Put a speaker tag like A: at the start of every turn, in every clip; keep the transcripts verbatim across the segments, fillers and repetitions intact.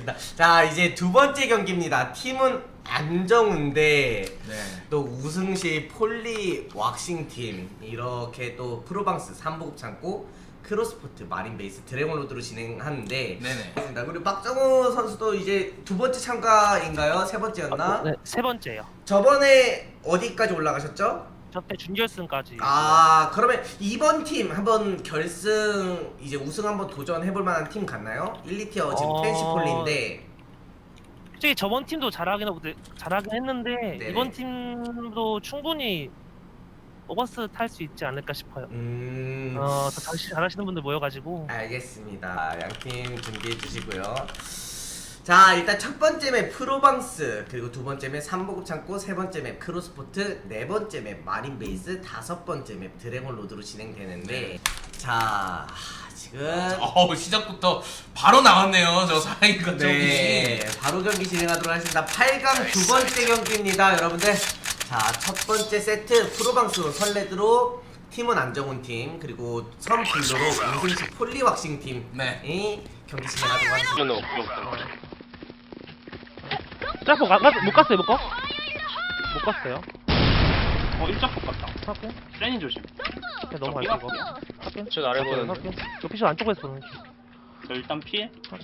A: 알겠습니다. 자, 이제 두 번째 경기입니다. 팀은 안정우인데
B: 네.
A: 또 우승시 폴리 왁싱 팀, 이렇게 또 프로방스 삼보급 창고 크로스포트 마린베이스 드래곤로드로 진행하는데,
B: 네네.
A: 알겠습니다. 그리고 박정우 선수도 이제 두 번째 참가인가요? 세 번째였나?
C: 네, 세 번째요.
A: 저번에 어디까지 올라가셨죠?
C: 저때 준결승까지.
A: 아, 그러면 이번 팀 한번 결승 이제 우승 한번 도전해볼 만한 팀 같나요? 일, 이 티어 지금
C: 어...
A: 텐시폴리인데.
C: 솔직히 저번 팀도 잘하긴 하고 잘하긴 했는데
A: 네네.
C: 이번 팀도 충분히 오버스 탈 수 있지 않을까 싶어요.
A: 음.
C: 어, 더 잘- 잘하시는 분들 모여가지고.
A: 알겠습니다. 양팀 준비해 주시고요. 자, 일단 첫 번째 맵 프로방스, 그리고 두 번째 맵 삼보급 창고, 세 번째 맵 크로스포트, 네 번째 맵 마린베이스, 다섯 번째 맵 드래곤로드로 진행되는데,
B: 네.
A: 자, 지금
B: 어우, 시작부터 바로 나왔네요. 저 사인 같은
A: 네, 바로 경기 진행하도록 하겠습니다. 팔 강 두 번째 경기입니다, 여러분들. 자, 첫 번째 세트 프로방스로 설레드로 팀은 안정훈 팀, 그리고 선 블루로 우승시 폴리 왁싱 팀이
B: 네.
A: 경기 진행하도록 하겠습니다.
C: 자, 못, 가, 못 갔어요, 못 가? 못 갔어요.
D: 어 일자 폭 같다.
C: 할게.
D: 세니 조심.
C: 그냥 넘어갈게 이거. 할게.
E: 저 아래 보는데.
C: 할게. 저 피셔 안쪽에서 보는.
D: 저 일단 피해.
C: 할게.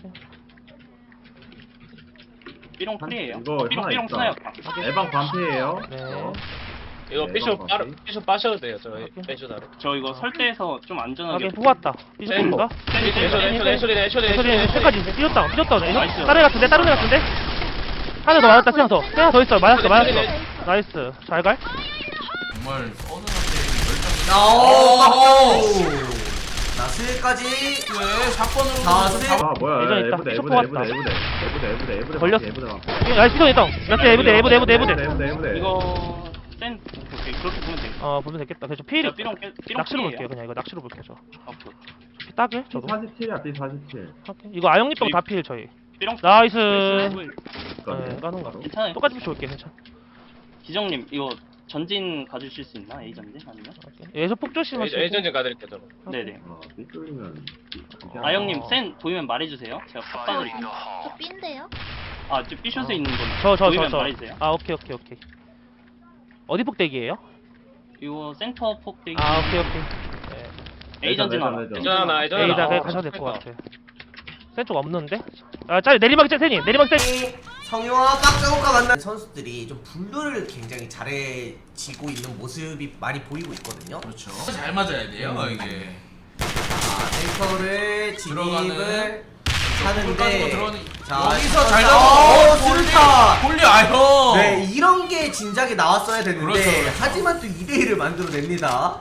D: 삐롱 프리에요.
F: 이거
D: 어, 삐롱
F: 하나
D: 삐롱
F: 있다.
D: 스나였다.
F: 에방 반피예요.
C: 네.
E: 이거
F: 네,
E: 피쇼
F: 이거
E: 빠르
F: 맞지?
E: 피쇼 빠셔도 돼요. 저
C: 오케이.
E: 피쇼 다로.
D: 저 이거 설대에서 좀 안전하게.
C: 하게 뽑았다. 피셔
E: 네.
C: 뽑을까?
D: 세니 세니
E: 애쇼
D: 세니
E: 애쇼
D: 세니.
E: 애쇼 애쇼 애쇼
C: 소리
E: 애쇼
C: 끝까지 삐졌다. 삐졌다.
D: 나이스.
C: 다른 애 같은데? 다른 애 같은데? 하나 더 맞았다. 하나 더. 하나 더 있어. 맞았어. 맞았어. 나이스. 잘 갈?
B: 정말 서든한테 열정이.
A: 오,
B: 오!
A: 나스까지.
B: 네, 사건으로.
A: 자, 세-
F: 아 뭐야?
C: 예전 있다.
F: 에브데
C: 쇼크
F: 에브데
C: 왔다.
F: 에브데 에브데 에브데 에브데
C: 걸렸어.
F: 에브데 에브데
C: 나이스. 피셔 있다. 몇대 에브대 에브대 에브대 에브대.
F: 에브데 에브데
D: 이거 센 오케이 그렇게 보면 돼.
C: 어, 보면 되겠다. 그래서 필이
D: 저 삐롱 깨- 삐롱
C: 낚시로
D: 프리에요.
C: 볼게요. 그냥 이거 낚시로 볼게요. 저.
D: 아, 그
C: 피 따게? 저도.
F: 사십칠이야 B 사십칠.
C: 할게. 이거 아영님 빼고 다 필 저희.
D: 삐롱.
C: 나이스.
D: 나이스.
C: 네, 까는 거.
D: 괜찮아요.
C: 똑같이 좋을게. 괜찮아.
D: 기정님 이거 전진 가주실 수 있나? A 전진 아니면?
C: 얘서 폭 조심하시고.
E: 예전에 가드릴게요, 저거.
D: 네네.
F: 아 B 뚫리면.
D: 아 형님 센 보이면 말해주세요. 제가 팟빵을.
G: 저 B인데요?
D: 아 지금 B숏에 있는 건
C: 저, 저, 저,
D: 보이면
C: 저.
D: 말해주세요.
C: 아, 오케이, 오케이, 오케이. 어디 폭대기예요?
D: 이거 센터 폭대기.
C: 아, 오케이, 오케이. 네.
D: A 전진
F: 매점,
D: 하나.
F: 매점.
E: 예전 하나, 예전 하나.
C: 에이다 그냥
E: 어,
C: 가셔도 될 것
E: 됐다.
C: 같아. 센 쪽 없는데? 아, 짤 내리막 짤 세니. 내리막 짤.
A: 성유와 박정우가 만난 선수들이 좀 블루를 굉장히 잘해지고 있는 모습이 많이 보이고 있거든요.
B: 그렇죠. 잘 맞아야 돼요,
A: 음.
B: 이게.
A: 자, 센터를 진입을
B: 들어가는.
A: 하는데,
B: 들어가는.
A: 자,
B: 여기서 잘
A: 어,
B: 잡아.
A: 수류탄!
B: 폴리 아형.
A: 네, 이런 게 진작에 나왔어야 됐는데,
B: 그렇죠, 그렇죠.
A: 하지만 또 이 대 일을 만들어냅니다.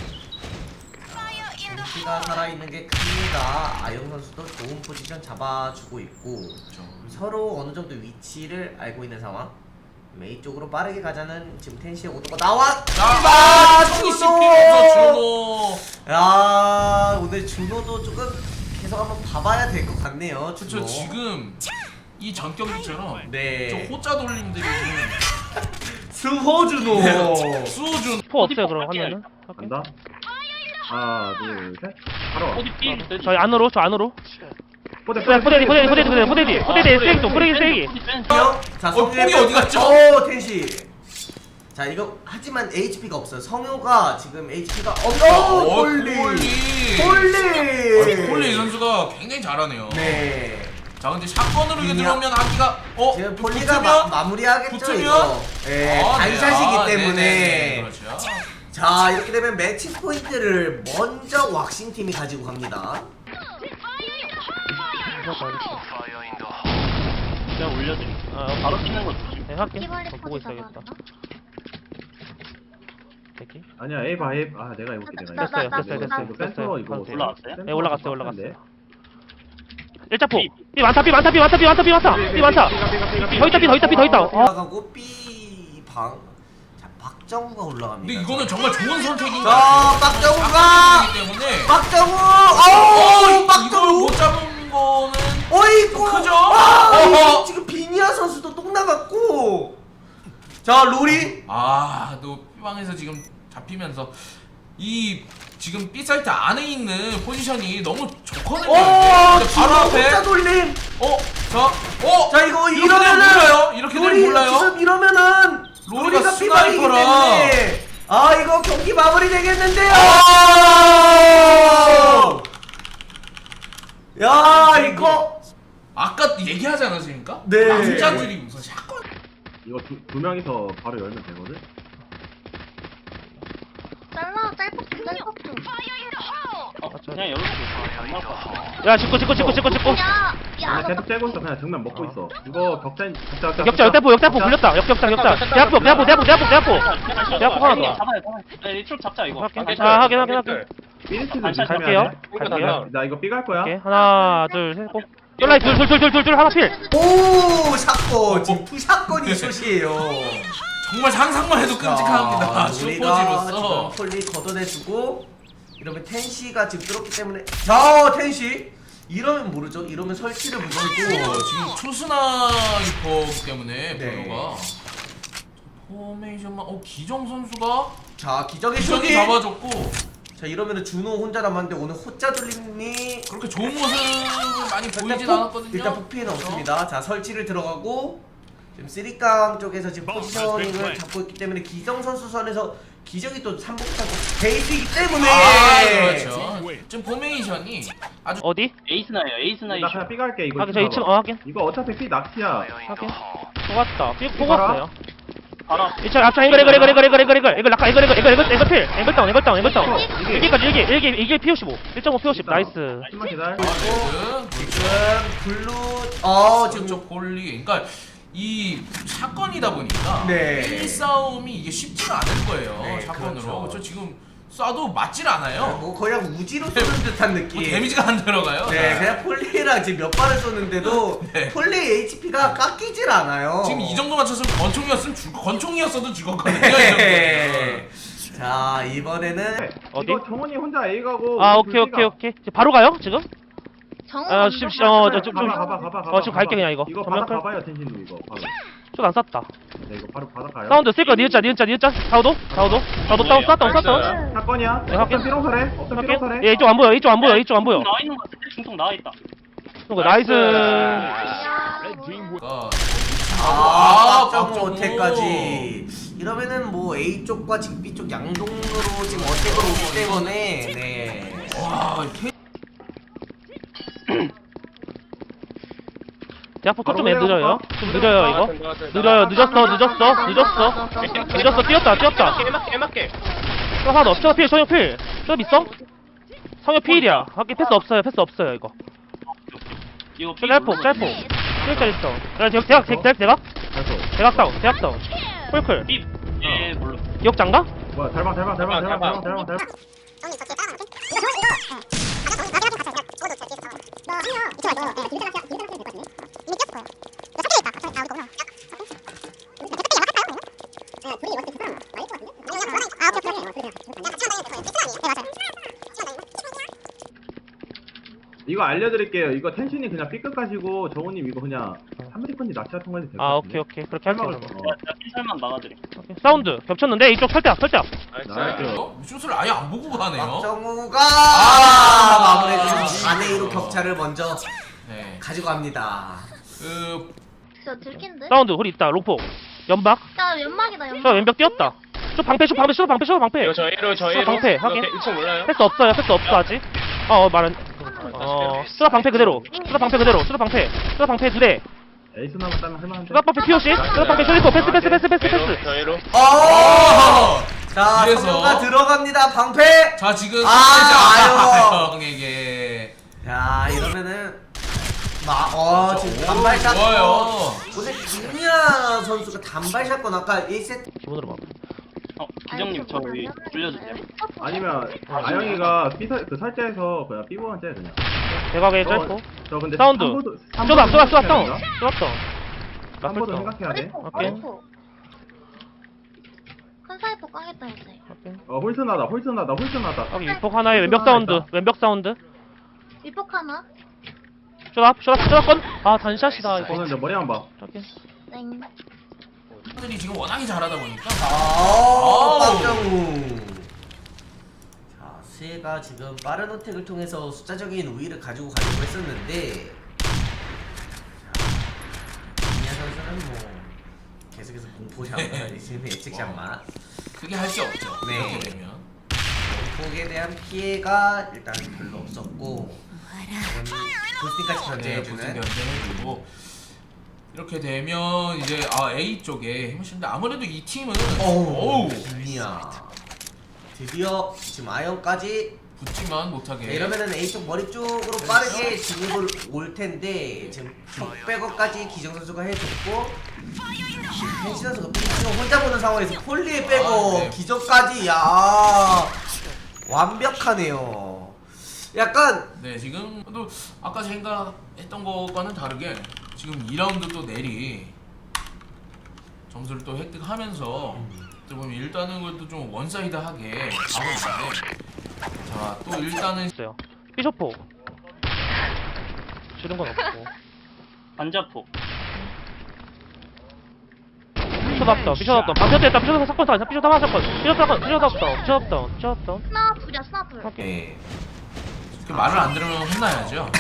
A: 김씨가 살아있는 게 큽니다. 아영 선수도 좋은 포지션 잡아주고 있고,
B: 그렇죠.
A: 서로 어느 정도 위치를 알고 있는 상황. 메이 쪽으로 빠르게 가자는 지금 텐시의 오도가 나왔.
B: 아,
A: 준호!
B: 씹히면서 준호.
A: 야, 오늘 준호도 조금 계속 한번 봐봐야 될 것 같네요. 준호.
B: 그렇죠. 지금 이 전 경기처럼
A: 네.
B: 저 호자 돌림들이
A: 수호 준호.
B: 네. 수호준.
C: 포 없어요,
D: 어디
C: 그럼
D: 폭
C: 하면은.
F: 간다. 하나 둘 셋. 바로.
D: 어디 B?
C: 저희 안으로, 저 안으로.
F: 포대
C: 포대디, 포대디, 포대디, 포대디, 포대디, 포대디, 포대디, 세기 쪽, 포대디, 세기.
A: 형, 자,
B: 어,
A: 성유의
B: 뽕이 어디 갔죠?
A: 오, 텐시. 자, 이거 하지만 에이치피가 없어요. 성효가 지금 에이치피가 없어.
B: 어,
A: 폴리.
B: 폴리.
A: 폴리.
B: 폴리 선수가 굉장히 잘하네요.
A: 네.
B: 자, 근데 샷건으로 이게
A: 그냥-
B: 들어오면 하기가 어
A: 지금
B: 붙-
A: 폴리가
B: 붙으면?
A: 마, 마무리하겠죠,
B: 붙으면?
A: 이거. 예,
B: 아, 네.
A: 단샷이기
B: 아,
A: 때문에.
B: 네네네. 그렇죠.
A: 자, 이렇게 되면 매치 포인트를 먼저 왁싱 팀이 가지고 갑니다.
D: 제가 올려드릴게요.
C: 아,
D: 바로 뛰는 거 조심.
C: 네, 할게.
G: 바퀴벌레
C: 어, 보고
G: 포지
C: 있어야겠다.
G: 잡아왔나?
C: 대기.
F: 아니야 A 봐 A. 아 내가 해볼게 내가.
G: 나, 나,
C: 됐어요,
G: 나,
C: 됐어요,
G: 나,
C: 됐어요.
F: 이거 센터 이거
C: 됐어요.
D: 올라왔어요?
F: 센터
C: 네, 올라갔어요,
F: 센터인데.
C: 올라갔어요. 일자포. 삐 많다, 삐 많다, 삐 많다, 삐 많다, 삐 많다. 삐 많다. 더 있다, 삐 더 있다, 삐 더 있다. 어.
A: 올라가고 B 방. 자, 박정우가 올라갑니다.
B: 근데 이거는 정말 좋은 선택인 것
A: 자,
B: 같아요.
A: 박정우가
B: 선택이기 때문에
A: 박정우!
B: 어,
A: 어우,
B: 이걸
A: 박정우!
B: 못 잡은 거는
A: 어이구!
B: 크죠?
A: 아,
B: 어허.
A: 지금 비니아 선수도 똥 나갔고. 자, 로리.
B: 아, 또 B방에서 지금 잡히면서 이 지금 B 사이트 안에 있는 포지션이 너무 좋거든요.
A: 오,
B: 근데
A: 지금
B: 바로 앞에
A: 혼자 돌림.
B: 어, 자, 어,
A: 자 이거
B: 이렇게
A: 이러면은
B: 되면 몰라요. 이렇게 되면
A: 로리
B: 몰라요.
A: 지금 이러면은
B: 로리가
A: 로리가 삐방이기
B: 스나이퍼라.
A: 때문에 아 이거 경기 마무리 되겠는데요.
B: 아!
A: 야 이거
B: 아까 얘기하지 않았습니까?
A: 네.
B: 남자들이 무슨 샷건.
F: 이거 두, 두 명이서 바로 열면 되거든?
E: 잘라 짤폭 짤폭
D: 어, 그냥 열어도 안 나올 것 같아.
C: 야 짓고 짓고 짓고 짓고 짓고
E: 야야
F: 그냥 계속 째고 있어. 그냥 정면 먹고 있어. 이거 격자, 격자, 격자.
C: 역자 역대포 역대포 불렸다 역격장 역장 대학포 대학포 대학포 대학포 대학포 대학포 하나 더
D: 잡아요, 잡아요. 네, 이쪽 잡자 이거.
C: 확인
D: 아,
C: 아 확인 확인 확인
F: 삐리치는
D: 반찬
C: 갈게요 갈게요
F: 나 이거 삐갈 거야.
C: 오케이 하나 둘셋고 연라이 둘둘둘둘둘 하나 필
A: 오 샷건 지금 투샷건이 숏이에요.
B: 정말 상상만 해도 끔찍합니다.
A: 자, 우리가
B: 슈퍼지로서.
A: 지금 폴리 걷어내주고 이러면 텐시가 지금 뚫었기 때문에 자 텐시 이러면 모르죠. 이러면 설치를 무조건
B: 어, 지금 초스나이퍼기 때문에
A: 네.
B: 블루가 포메이션만 어 기정 선수가
A: 자 기적의
B: 기정이
A: 슛이
B: 잡아줬고
A: 자 이러면은 준호 혼자 남았는데 오늘 호짜 돌림이
B: 그렇게 좋은 모습을 많이 보이진
A: 일단 폭,
B: 않았거든요.
A: 일단 폭피해는 없습니다. 자 설치를 들어가고 지금 쓰리깡 쪽에서 지금 포지셔닝을 잡고 있기 때문에 기정 선수 선에서 기적이 또 삼복하고 베이스이기 때문에
B: 아, 그렇죠. 지금 포메이션이 아주
C: 어디?
D: 에이스나예요, 에이스나이.
F: 나 그냥 삐갈게 이거.
C: 확인 저 이 층
F: 봐봐.
C: 어 확인
F: 이거 어차피 삐 낚시야.
C: 확인 뽑았다 삐 뽑았어요
D: 바로 앞.
C: 이 층 앞창 이글 이글 이글 이글 이글 이글 이글 이글 낙하 이글 이글 이글 이글 이글 필 이글 다운 이글 다운 이글 다운 일기까지 일기 일기 일기 피 오십오 일 점 오 피 오십 나이스
F: 좀만 기다려.
B: 레드
A: 지금 블루 어 지금
B: 지금 폴리 그러니까 이 사건이다 보니까
A: 네.
B: 일 싸움이 이게 쉽지가 않을 거예요.
A: 네,
B: 사건으로
A: 그렇죠.
B: 그렇죠. 지금 쏴도 맞질 않아요.
A: 뭐 거의 한 우지로 쏘는 듯한
B: 뭐
A: 느낌.
B: 데미지가 안 들어가요.
A: 네, 그냥 폴리랑 지금 몇 발을 쏘는데도
B: 네.
A: 폴리 에이치피가 깎이질 않아요.
B: 지금 이 정도 맞췄으면 권총이었으면 죽 권총이었어도 죽었거든요. 이
A: 네.
B: 정도면.
A: 자 이번에는
C: 어디?
F: 이거 정원이 혼자 A 가고.
C: 아
F: 우리
C: 오케이
F: 둘
C: 오케이
F: 삐가.
C: 오케이 지금 바로 가요 지금?
E: 정우
C: 아 지금 어저 좀
F: 가봐 가봐 가봐 가봐.
C: 어, 지금 갈게, 그냥 이거.
F: 이거
C: 전면
F: 바닥
C: 클.
F: 가봐요 텐신도 이거. 바로.
C: 안 쐈다
F: 네 이거 바로 바닥 가요.
C: 사운드 쓸 거야 니은자 니은자 니은자 사우도 사우도 사우도 다운 쐈다운 쐈다운
F: 사건이야.
C: 네, 확인.
F: 어떤 삐롱설해? 어떤
C: 확인
F: 삐롱설해?
C: 얘 이쪽 안 보여 이쪽 안 보여 이쪽 안 보여
D: 나와 있는 거 같은데 중통 나와 있다.
C: 이거 나이스
B: 그러니까
A: 아, 깜짝
B: 박정호.
A: 못해까지 이러면은 뭐 A 쪽과 지금 B 쪽 양동으로 지금 어택으로 오기 때문에 네.
B: 와, 이
C: 대학포 좀 느려요 좀 느려요 이거 느려요 늦었어 늦었어 늦었어 늦었어 뛰었다 뛰었다 저 하나 없죠 필 성형 필 저기 있어? 성형 필이야 하긴 패스 없어요 패스 없어요 이거
D: 이거
C: 저 짤폭 짤폭 필짜리 있어 야 대각 대각 대각 대각
F: 잘했어.
C: 대각 다운 대각 다운 폴클
D: 삐. 예, 물론.
C: 기억장가?
F: 뭐야 달방 달방 달방 달방 달방 달방 달방. 이거 알려드릴게요. 이거 텐신이 그냥 B끝 가시고 정우님 이거 그냥 삼리펀지 낚시 같은 거 해도 될것
C: 아
F: 같은데.
C: 오케이 오케이 그렇게 할게요
F: 설명을
C: 그러면.
F: 어.
D: 제가 삐살만 막아드림.
C: 오케이. 사운드 겹쳤는데 이쪽 설대학 설대학
F: 나이스.
B: 어? 슛을 아예 안 보고 가네요.
A: 박정우가
B: 아.
A: 마무리해주면서 사 대 이로 격차를 먼저
B: 네.
A: 가지고 갑니다.
B: 그
E: 저 들킨데?
C: 사운드 우리 있다 롱폭 연막
E: 야 연막이다 연막
C: 저 왼벽 뛰었다 저 방패 저 방패 저 방패 저 방패
G: 이거 저 A로 저
C: 저
G: A로
C: 방패 확인
G: 일 층 몰라요?
C: 패스 없어요 패스 없어 아직 어 어, 말은 어 수다 방패 그대로 수다 방패 그대로 수다 방패 수다 방패 두대
F: 에이스 남았다면 할만한데.
C: 수다 방패 피오시 수다 방패 쇼리포 패스 패스 패스 패스
G: A로
C: 패스
G: 저 A로
A: 어! 자,
B: 이래서-
A: 성우가 들어갑니다. 방패.
B: 자 지금
A: 아,
B: 형에게
A: 자, 이러면은 마, 어, 지금 단발샷.
B: 좋아요.
A: 오늘 김미아 선수가 단발샷건 아까 일 세트
C: 기본으로 막
D: 어, 기정님 저 여기 불려주세요.
F: 아니면 아영이가 B 설- 그 설자에서 그냥 B 보면 째 그냥.
C: 대각에
F: 저-
C: 짧고
F: 저 근데
C: 사운드
F: 삼보도-
C: 쏘다
F: 삼보도
C: 쏘다 쏘다
F: 생각해야
C: 다운
F: 된다.
C: 쏘다 다운
F: 삼보도
C: 라플
F: 생각해야 돼.
C: 오케이.
E: 큰 사이퍼 까겠다 이제
F: 어 홀슨하다 홀슨하다 홀슨하다.
C: 여기 위폭 하나에 왼벽 사운드 왼벽 사운드
E: 위폭 하나
C: 쇼다 쇼다 쇼다 건아 단샷이다 이거
F: 저는 이제 머리 한번 봐.
C: 저기
E: 땡
B: 들이 지금 워낙에 잘하다 보니까
A: 아,
B: 아우.
A: 박정우. 자, 스웨가 지금 빠른 어택을 통해서 숫자적인 우위를 가지고 가려고 했었는데 이냐 선수는 뭐 계속해서 공포샷만 지금 예측샷만
B: 그게 할 게 없죠.
A: 네.
B: 이렇게 되면.
A: 폭에 대한 피해가 일단 별로 없었고 부스팅까지
B: 네,
A: 견제해주는
B: 보팅 견제해주고 이렇게 되면 이제 아 A 쪽에 힘을 쓰는데 아무래도 이 팀은
A: 어우
B: 어우
A: 빅리야 드디어 지금 아이언까지
B: 붙지만 못하게.
A: 네, 이러면은 A쪽 머리 쪽으로 빠르게 진입을 올 텐데 지금 턱백업까지 기정 선수가 해줬고 펜시 선수가 지금 혼자 보는 상황에서 폴리에 빼고
B: 아, 네.
A: 기정까지 야 완벽하네요. 약간
B: 네 지금 또 아까 생각했던 것과는 다르게 지금 이 라운드 또 내리 점수를 또 획득하면서 또 보면 일단은 그래도 좀 원사이드하게 가고 있는데 자또 일단은
C: 있어요. 피셔포. 지른 건 없고.
D: 반자폭.
C: 피셔 없다. 피셔 없다. 방패 됐다. 피셔 사건 다. 피셔 다 맞았건. 피셔 사건. 피셔 없다. 피셔 없다. 피셔 없다.
E: 스나 둘이야 스나 둘.
C: 오케이.
A: 네.
B: 이렇게 말을 안 들으면 혼나야죠.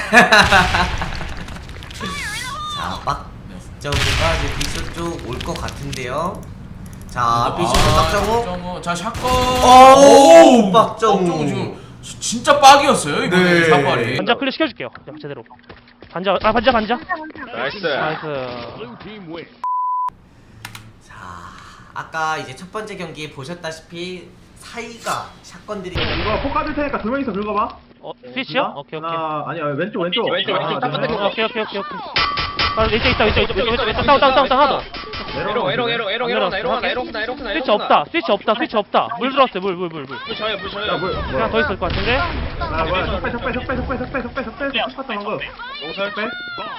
A: 자 빡.
B: 네.
A: 정우가 이제 비쇼 쪽 올 것 같은데요. 자
B: 아,
A: 비쇼 박정우.
B: 박정우. 자 샷건.
A: 오, 박정우.
B: 박정우 지금 지- 진짜 빡이었어요 이거
A: 네.
B: 샷발이.
C: 반자 클리어 시켜줄게요. 자, 제대로. 반자. 아 반자 반자.
G: 나이스.
C: 나이스.
A: 자 아까 이제 첫 번째 경기 보셨다시피 사이가 샷건들이
F: 이거 폭 까줄 테니까 두 명이서 긁어봐.
C: 어 스위치요? 오케이 오케이.
F: 하나 아니야 왼쪽 왼쪽.
G: 왼쪽, 왼쪽,
F: 하나,
G: 딱
F: 둘,
G: 끝에
F: 셋.
C: 어, 오케이 오케이 오케이 오케이. 아 이쪽 있다 이쪽 이쪽 이쪽 이쪽 이쪽 다운 다운 다운 다운 하나 더.
G: 에롱 에롱 에롱 에롱 에롱 하나 에롱 하나 에롱 하나 에롱 하나
C: 스위치 없다 스위치 없다 스위치 없다. 물 들어왔어요 물 물 물 물.
G: 물 저요 물
F: 야
G: 저요.
F: 뭐
C: 하나
F: 뭐야?
C: 더 있을 것 같은데.
F: 아 뭐야? 적배 적배 적배 적배 적배 적배 적배 적배 방금.
G: 용설
F: 적배.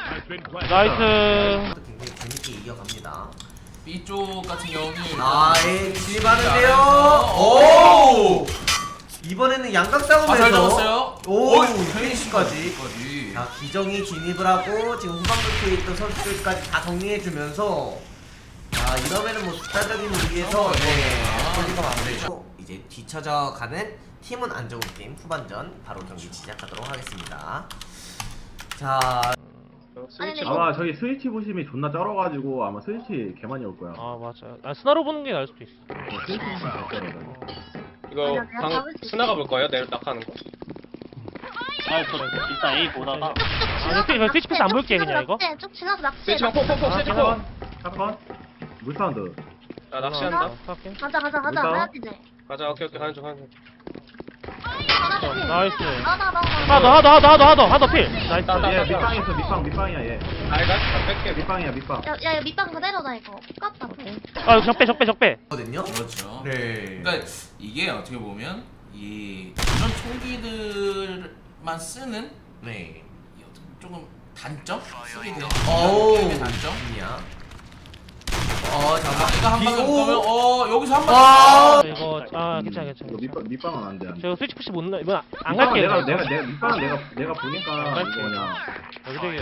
C: 나이스.
A: 굉장히 재밌게 이겨갑니다.
B: B쪽 같은 경우는
A: 아예 진입하는데요. 오 이번에는 양각 싸움에서
B: 아, 잘 잡았어요.
A: 오
B: 어이,
A: 페이시까지.
B: 까지.
A: 자 기정이 진입을 하고 지금 후방부에 있던 선수들까지 다 정리해주면서 자 이러면은 뭐 숫자적인 우위에서 네 폴리가 마무리되고 이제 뒤쳐져 가는 팀은 안정우 팀 후반전 바로 경기 시작하도록 하겠습니다. 자
G: 스위치
E: 아니,
F: 아마 저기 스위치 보심이 존나 쩔어가지고 아마 스위치 개 많이 올 거야.
C: 아 맞아. 아 스나로 보는 게 나을 수도 있어.
F: 스위치 보심 개 쩔어.
G: 이거
E: 아니야, 내가
G: 방
E: 잡을 수 있어.
G: 스나가 볼 거예요? 내일 낙하는 거.
D: 아저 일단 A 보다가
C: 아 스위치 스위치 패스 안 볼게 그냥 이거.
E: 쭉 지나서 낚시.
G: 스위치 방 폭폭폭 스위치 폭.
F: 사건 사건 물 사운드.
G: 아 낚시한다.
C: 할게.
E: 가자 가자 가자.
F: 일단.
E: 가야지 이제.
G: 가자 오케이 오케이 가는 중 가는 중.
E: 하나 더 필.
C: 나이스.
E: 하나 더
C: 하나 더 하나 더 하나 더 하나 더 하나 더 필. 나이스.
G: 따,
F: 얘
G: 따.
F: 밑방에 있어 밑방 밑방이야 얘.
G: 알가 다 뺄게.
F: 밑방이야 밑방.
E: 야야 야, 밑방 그대로다 이거. 깝다.
C: 아 적배 적배 적배.
A: 거든요.
B: 그렇죠.
A: 네.
B: 그러니까 이게 어떻게 보면 이 이런 총기들만 쓰는
A: 네.
B: 이 어떻게 조금 단점 쓰게 되는
A: 어우
B: 게임의 단점.
A: 이야. 어
B: 아,
A: 잠깐
B: 이거 한 방에
A: 비고.
B: 보면 어 여기서 한
A: 와.
B: 방.
C: 이거 아 괜찮아 괜찮아.
F: 이거 밑방 밑방은 안 돼. 안 돼.
C: 저 스위치 푸시 못 나. 이건 안
F: 밑방은
C: 갈게요.
F: 내가 내가 내가 밑방은 내가 내가 보니까
C: 안
F: 이거
C: 갈게요.
F: 그냥.
C: 여기 되게.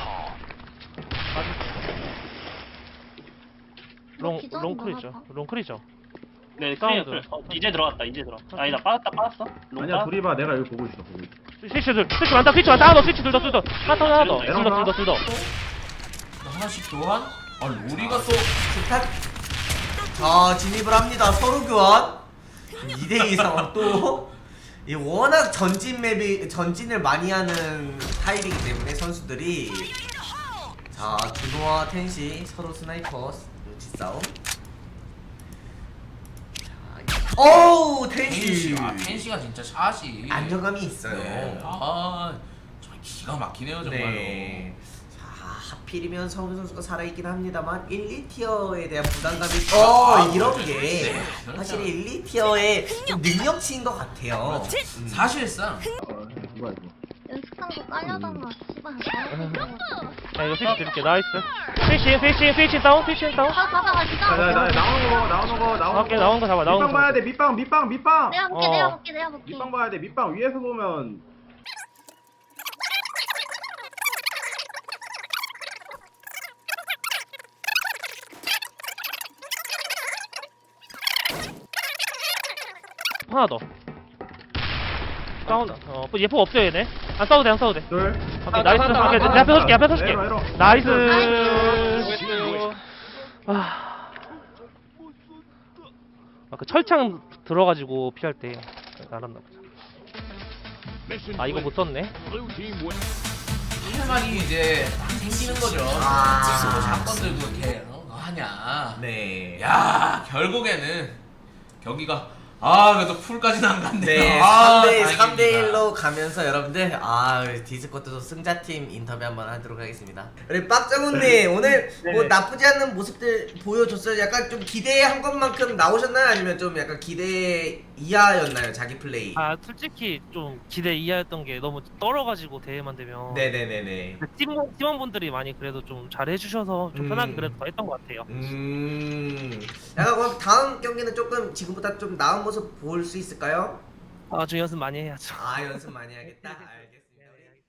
C: 롱 롱클이죠. 롱클이죠.
D: 네
C: 사운드.
D: 클리어 클리어. 어, 이제 들어갔다 이제 들어. 아니다 빠졌다 빠졌어. 롱
F: 아니야
D: 빠졌-
F: 둘이 봐 내가 여기 보고 있어 보고 있어.
C: 스위치 둘 스위치 많다 스위치 많다 하나 더 스위치 둘더 둘더 하나 더 하나 더 둘 더 둘 더 둘 더.
B: 하나씩 교환. 아 로리가 또
A: 스탑. 자 진입을 합니다. 서로 교환. 이 대 이 상황 또. 이 워낙 전진 맵이 전진을 많이 하는 타입이기 때문에 선수들이 자 준호와 텐시 서로 스나이퍼 눈치 싸움. 자, 어우 텐시
B: 텐시. 아 텐시가 진짜 샷이
A: 안정감이 있어요.
B: 네. 아 정말 기가 막히네요 정말로.
A: 네. 자 하필이면 서훈 선수가 살아있긴 합니다만 일, 이 티어에 대한 부담감이
B: 아,
A: 어 이런
B: 그렇죠.
A: 게
B: 네, 그렇죠.
A: 사실 일, 이 티어의 좀 능력치인 것 같아요. 음.
B: 사실상
F: 어, 뭐야 이거.
E: 연습한 거 깔려다가 씨발.
C: 자 이거 스위치 드릴게 나이스. 스위치 스위치 스위치 다운 스위치 다운.
E: 가 가자 가
F: 나, 나, 나,
E: 진짜.
F: 나오는 거 나오는 거 나오는
C: 오케이
F: 거.
C: 나온 거 잡아 나온 거
F: 밑방 봐야
C: 잡아.
F: 돼 밑방 밑방 밑방.
E: 내가 볼게
C: 어.
E: 내가 볼게 내가 볼게.
F: 밑방 봐야 돼 밑방 위에서 보면.
C: 하나 더. 싸운다. 어, 예포 없어요 얘네. 안 싸워도 돼, 안 싸워도 돼.
F: 둘.
C: 오케이, 나이스.
G: 하나,
C: 오케이,
G: 하나,
C: 내 앞에 서줄게, 앞에 서줄게.
F: 에러, 에러.
C: 나이스.
G: 나이스.
C: 아, 아, 그 철창 들어가지고 피할 때 날았나 보자. 아, 이거 못 썼네.
B: 할 말이 이제 딱 생기는 거죠.
A: 아.
B: 뭐 사건 들고 이렇게 어, 너 하냐.
A: 네.
B: 야 결국에는 경기가 아 그래도 풀까지는 안 갔네요.
A: 네,
B: 아,
A: 삼 대
B: 다행입니다.
A: 삼 대 일로 가면서 여러분들 아 디스코트도 승자팀 인터뷰 한번 하도록 하겠습니다. 우리 빡정훈님 오늘 뭐 나쁘지 않은 모습들 보여줬어요. 약간 좀 기대한 것만큼 나오셨나요? 아니면 좀 약간 기대 이하였나요? 자기 플레이?
C: 아, 솔직히 좀 기대 이하였던 게 너무 떨어가지고 대회만 되면.
A: 네네네네.
C: 팀, 팀원분들이 많이 그래도 좀 잘해주셔서 좀
A: 음.
C: 편하게 그래도 더 했던 것 같아요.
A: 음. 약간 그럼 다음 경기는 조금 지금보다 좀 나은 모습 볼 수 있을까요?
C: 아, 저 연습 많이 해야죠.
A: 아 연습 많이 하겠다. 알겠습니다.